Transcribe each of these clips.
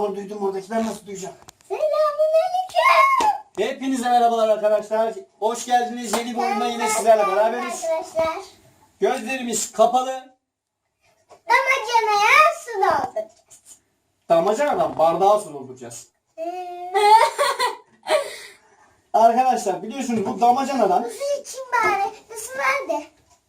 zor duydum oradakiler nasıl duyacak? Selamünaleyküm. Hepinize merhabalar arkadaşlar. Hoş geldiniz. Yeni bir oyunda yine sizlerle beraberiz. Arkadaşlar. Gözlerimiz kapalı. Damacanaya su dolduracağız. Damacanadan bardağa su dolduracağız. Arkadaşlar biliyorsunuz bu damacanadan... Su için bari. Su nerede?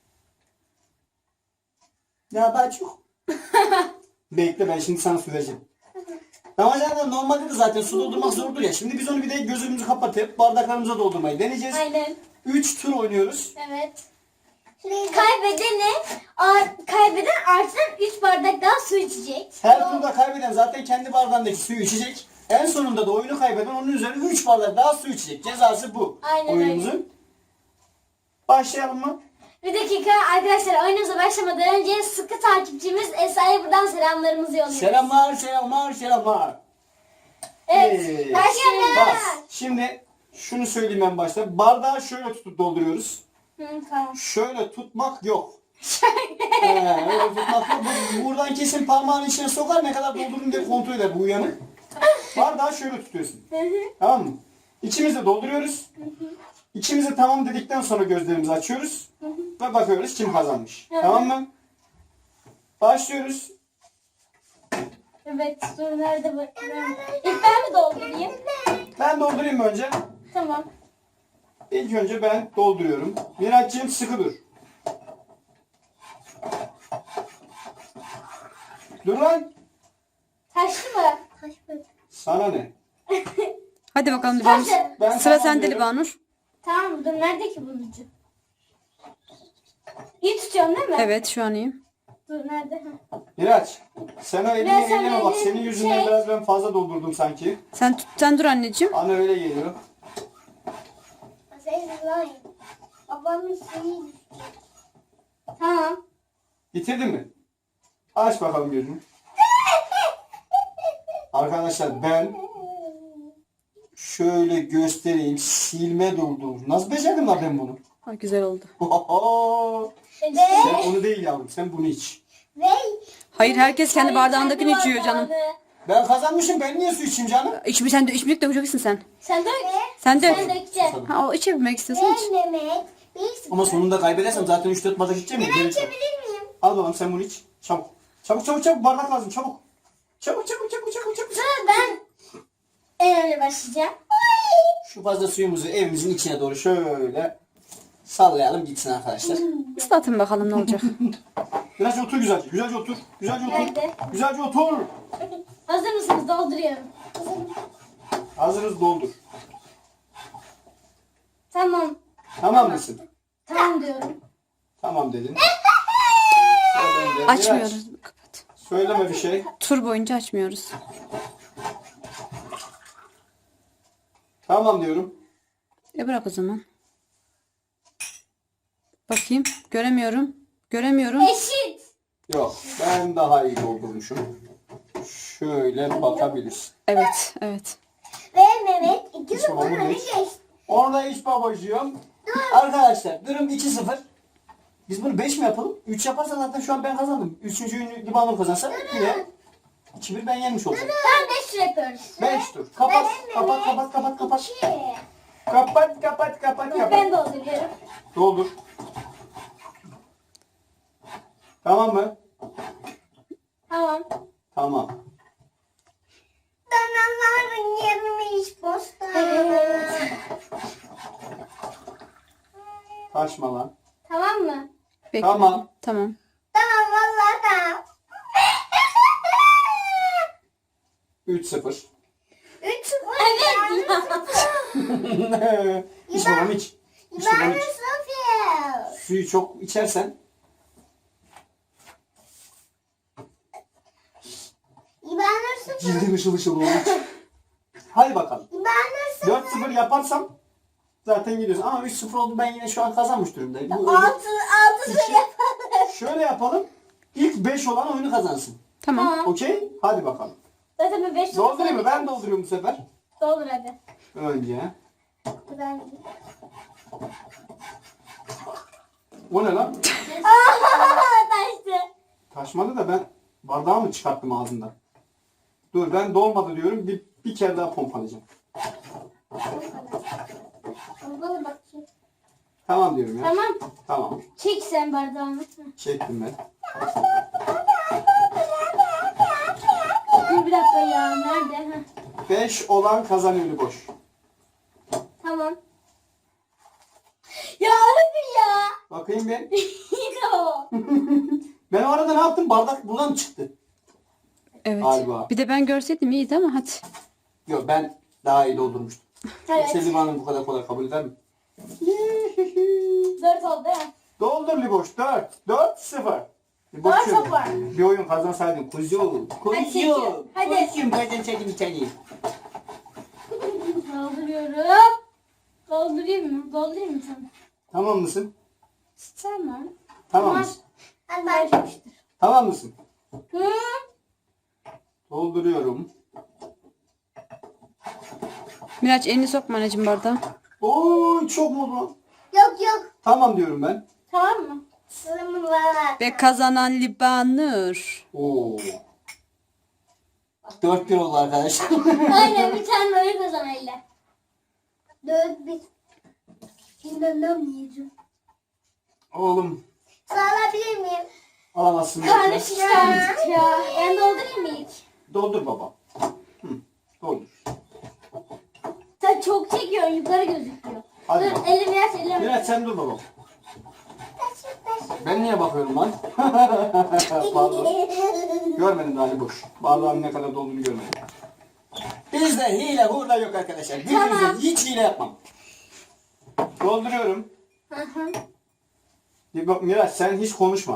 Ya daha çok. Bekle ben şimdi sana su vereceğim. Damacanadan normalde de zaten su doldurmak zordur ya. Şimdi biz onu bir de gözümüzü kapatıp bardaklarımıza doldurmayı deneyeceğiz. Aynen. 3 tur oynuyoruz. Evet. Kaybedene Kaybeden artıdan 3 bardak daha su içecek. Her turda kaybeden zaten kendi bardağındaki suyu içecek. En sonunda da oyunu kaybeden onun üzerine 3 bardak daha su içecek. Cezası bu. Aynen Oyunumuzun. Başlayalım mı? Bir dakika arkadaşlar, oyunumuza başlamadan önce sıkı takipçimiz Esra'ya buradan selamlarımızı yolluyoruz. Selamlar, selamlar, selamlar. Evet. Başlayalım. Bas. Şimdi şunu söyleyeyim en başta. Bardağı şöyle tutup dolduruyoruz. Tamam. Şöyle tutmak yok. Öyle tutmak yok. Buradan kesin parmağını içine sokar, ne kadar doldurdun diye kontrol eder bu uyanık. Bardağı şöyle tutuyorsun. Tamam mı? İçimizi dolduruyoruz. İçimizi tamam dedikten sonra gözlerimizi açıyoruz. Ve bakıyoruz kim kazanmış. Tamam mı? Başlıyoruz. Evet, dur nerede bu? İlk ben mi doldurayım? Ben doldurayım mı önce? Tamam. İlk önce ben dolduruyorum. Miraç'cığım sıkı dur. Dur lan. Taşlı mı? Sana ne? Hadi bakalım Libanur. Ben Sıra tamam sende diyorum. Libanur. Tamam, dur nerede ki bunun ucu? İyi tutuyorsun değil mi? Evet şu an iyiyim. Dur nerede? Miraç. Sen o elini Ben sana eline bak. elini Senin yüzünden şey- biraz ben fazla doldurdum sanki. Sen dur anneciğim. Bana öyle geliyor. Babamın suyu. Tamam. Bitirdin mi? Aç bakalım gözünü. Arkadaşlar ben şöyle göstereyim. Silme doldurmuş. Nasıl becerdim lan ben bunu? Ha, güzel oldu. Ve Sen onu değil yavrum. Sen bunu iç. Ve Hayır herkes kendi bardağındakini kendi içiyor canım. bardağını. Ben kazanmışım. Ben niye su içeyim canım? Sen de içmeyecek dökeceksin sen. Sen dök. Sen dök. Sen dökeceksin. Ha o içebilmek istiyorsan iç. Mehmet. Bir sıfır. Ama sonunda kaybedersem zaten 3-4 bardak içeceğim. Ben Ya. içebilir miyim? Al bakalım sen bunu iç. Çabuk. Çabuk bardak lazım çabuk. Çabuk. Sonra ben en önce başlayacağım. Şu fazla suyumuzu evimizin içine doğru şöyle sallayalım gitsin arkadaşlar. Islatın bakalım ne olacak. Biraz otur güzelce. Güzelce otur. Nerede? Güzelce otur. Hazır mısınız? Dolduruyorum. Hazırız doldur. Tamam. Tamam mısın? Tamam diyorum. Tamam dedin. Sıra bende. Miraç, Açmıyoruz. Kapat. söyleme bir şey. Tur boyunca açmıyoruz. Tamam diyorum. Bırak o zaman. Bakayım. Göremiyorum. Eşit. Yok. Ben daha iyi doldurmuşum. Şöyle bakabiliriz. Evet. Ve Mehmet iki Hiç babamın sıfır öne hiç. geçti. Orada iç babacığım. Arkadaşlar durum 2-0. Biz bunu 5 mi yapalım? 3 yaparsa zaten şu an ben kazandım. 3. ünlü Libanur kazansa yine 2-1 ben yenmiş olacağım. Tamam 5 tur yapıyoruz. 5 tur. Kapat. Kapat. Ben dolduruyorum. Doldur. Tamam mı? Tamam. Tamam. Danaların yerini iç posta. Kaçma lan. Tamam mı? Bekle. Tamam. Tamam. Tamam vallahi tamam. 3-0. 3 sıfır. Evet. İç babam iç. İç babam Ben iç. sıfır. Suyu çok içersen İbanır sıfır. cildin ışıl olur. Hadi bakalım. İbanır sıfır. 4-0 yaparsam zaten gidiyorsun. Ama 3-0 oldu, ben yine şu an kazanmış durumdayım. Bu 6 sıfır yapalım. şöyle yapalım. İlk 5 olan oyunu kazansın. Tamam. Okey? Hadi bakalım. Zaten ben 5 tur Doldurayım mı? Ben dolduruyorum bu sefer. Doldur hadi. Önce. Ben... O ne lan? Taştı. Taşmadı da ben bardağı mı çıkarttım ağzından? Dur ben dolmadı diyorum. Bir kere daha pompalayacağım. Bana bakayım. Tamam diyorum ya. Tamam. Tamam. Çek sen bardağını. Çektim ben. Dur bir dakika ya. Nerede? Heh. 5 olan kazanıyor boş. Tamam. Ya hadi ya. Bakayım ben. Yıkama. Ben o arada ne yaptım? Bardak buradan mı çıktı? Evet. Galiba. Bir de ben görseydim iyiydi ama hadi. Yok ben daha iyi doldurmuştum. Evet. Selim Hanım bu kadar kolay kabul eder mi? 4 oldu ya. Doldur Liboş 4. 4-0. Liboş 4 şöyle. var. Bir oyun kazansaydın. Kuzu. Hadi Kuzu. çekiyorum. Hadi. Kuzum kazansaydın bir tane. Dolduruyorum. Doldurayım mı? Doldurayım mı sana? Tamam mısın? İster mi? Tamam mısın? Ben Tamam mısın? Hı? Dolduruyorum. Miraç elini sokma anneciğim bardağa. Oy çok mu oldu lan? Yok. Tamam diyorum ben. Tamam mı? Sılımı var. Ve kazanan Libanur. Oo. 4-1 oldu arkadaşlar. Aynen bir tane böyle kazan elle. 4-1. İnanamıyorum. Oğlum Sağlayabilir miyim? alamazsın. Karnı lütfen. şişti artık ya. Ben doldurayım mı ilk? Doldur baba. Hı, doldur. Sen çok çekiyorsun yukarı gözüküyor. Hadi Dur bakalım. elimi yaş elimi. Miraç sen dur baba. Ben niye bakıyorum lan? Pardon. Görmedim daha boş. Bardağın ne kadar dolduğunu görmedim. Bizde hile hurda yok arkadaşlar. Birbirimize Tamam. hiç hile yapmam. Dolduruyorum. Hı hı. Bir bak Miraç sen hiç konuşma.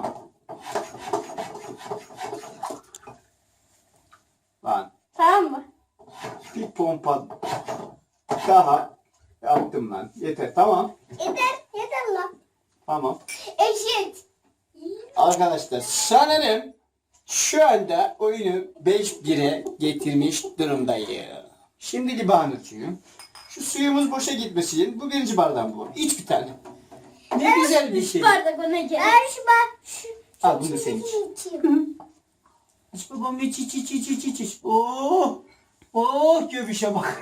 Lan Tamam mı? bir pompa daha yaptım lan. Yeter tamam. Yeter lan. Tamam. Eşit. Arkadaşlar sanırım şu anda oyunu 5-1'e getirmiş durumdayım. Şimdi Libanur'cuyum. Şu suyumuz boşa gitmesin için bu birinci bardağım bu. İç bir tane. Ne güzel bir şey. Bardak ona gerek. Ver şu bak. Al bunu sen iç. içeyim. İç babam iç iç iç iç iç iç iç. Oh. Oh göbüşe bak.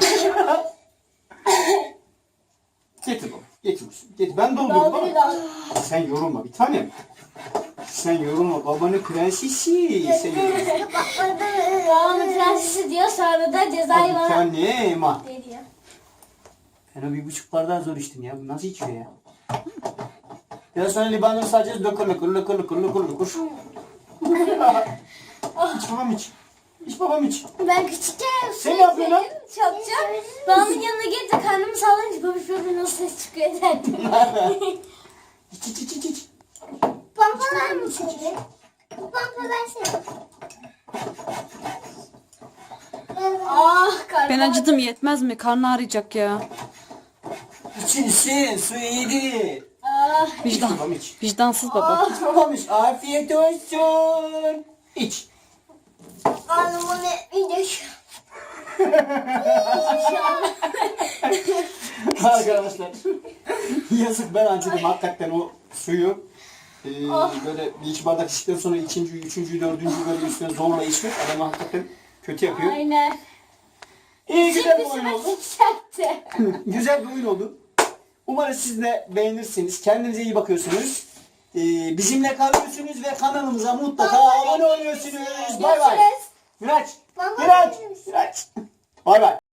Getir baba. Getir. Getir. Ben doldurdum baba. Dolduruyor. Sen yorulma bir tanem. Sen yorulma babanın prensesi. Sen yorulma. Babamın prensesi diyor sonra da cezayı Bir bana tanem ha. veriyor. Ben o 1,5 bardağı zor içtim ya. Bu nasıl içiyor ya? Biraz sonra Libanur sadece lokur. İç babam iç. İç babam iç. Ben küçükken Sen ne yapıyorsun lan? Çapacağım. Babamın yanına gelip de karnımı sallayınca babiş babiş nasıl ses çıkıyor derdim. İç iç iç iç iç. Pampalar mı senin? Bu pampa versene. Ah karnım. Ben acıdım yetmez mi? Karnı ağrıyacak ya. İçin su yedi. Ah. İç babam iç. Vicdansız baba. İç babam iç. Afiyet olsun. İç. Karnımı ne? İyice. Arkadaşlar. Yazık ben acıdım hakikaten o suyu. Böyle bir iki bardak içtikten sonra ikinciyi, üçüncüyü, dördüncüyü böyle üstüne zorla içmek adamı hakikaten kötü yapıyor. Aynen. İyi güzel bir oyun Şimdi oldu. sıçrattı. Güzel bir oyun oldu. Umarım siz de beğenirsiniz. Kendinize iyi bakıyorsunuz. Bizimle kalıyorsunuz ve kanalımıza mutlaka abone oluyorsunuz. Bay bay. Görüşürüz. Miraç. Baba, Miraç. benim. Miraç. Bay bay.